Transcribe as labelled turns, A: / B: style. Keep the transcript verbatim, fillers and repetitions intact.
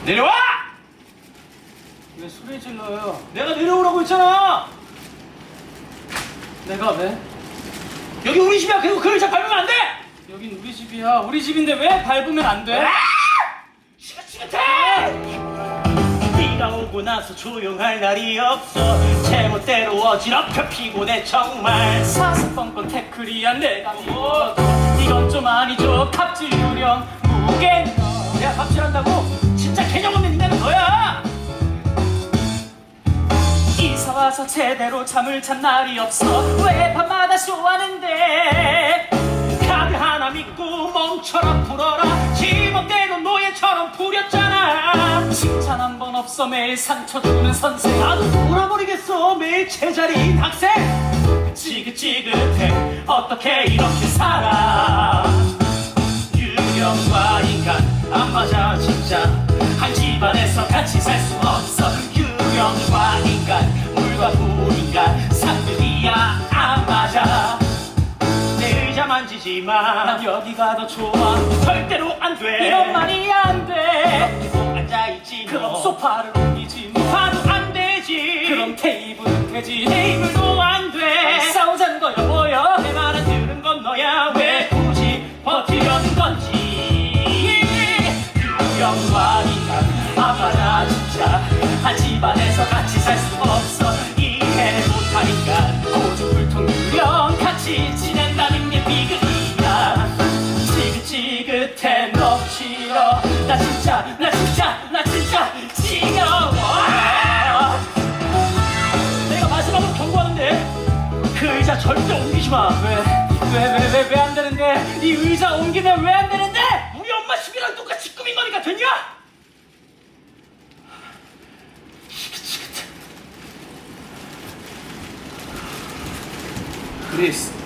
A: 내려와!
B: 왜 소리 질러요?
A: 내가 내려오라고 했잖아.
B: 내가 왜?
A: 여기 우리 집이야. 그리고 그 의자 밟으면 안 돼.
B: 여긴 우리 집이야. 우리 집인데 왜 밟으면 안 돼?
A: 지긋지긋해! 네가 오고 나서 조용할 날이 없어. 제멋대로 어지럽혀 피곤해 정말.
B: 사사건건 태클이야 내가 뭐 이건 좀 아니죠. 갑질 유령 무게
A: 내가 갑질한다고? 진짜 개념 없는 인간은 너야.
B: 이사 와서 제대로 잠을 잔 날이 없어. 왜 밤마다 쇼하는데?
A: 카드 하나 믿고 멈춰라 풀어라. 지멋대로 노예처럼 부렸잖아.
B: 칭찬 한 번 없어. 매일 상처 주는 선생.
A: 나도 돌아버리겠어. 매일 제자리인 학생. 지긋지긋해. 어떻게 이렇게 살아. 유령과 인간 안 맞아 진짜. 한 집안에서 같이 살 수 없어. 유령과 인간 물과 불인간 상들이야 안 맞아. 내 의자 만지지 마.
B: 난 여기가 더 좋아.
A: 절대로 안 돼.
B: 이런 말이 안 돼.
A: 여기서 앉아있지 뭐.
B: 그럼 소파를 옮기지 뭐.
A: 봐도 안 되지.
B: 그럼 테이블은 되지.
A: 테이블도 안 돼.
B: 싸우자는 거야 뭐야?
A: 내 말은 들은 건 너야. 왜 굳이 버티려는 건지. 유령과 인간 안 맞아 진짜. 한 집안에서 같이 살 수 없어. 이해 못할 인간 고집불통 유령 같이 지낸다는 게 비극이야. 지긋지긋해 너무 싫어. 나 진짜 나 진짜 나 진짜 지겨워. 내가 마지막으로 경고하는데 그 의자 절대 옮기지 마.
B: 왜? 왜 왜 왜 왜 안 되는데? 이 의자 옮기면 왜 안 되는데?
A: 우리 엄마 집이랑 똑같이 꾸민 거니까 됐냐?
B: 크리스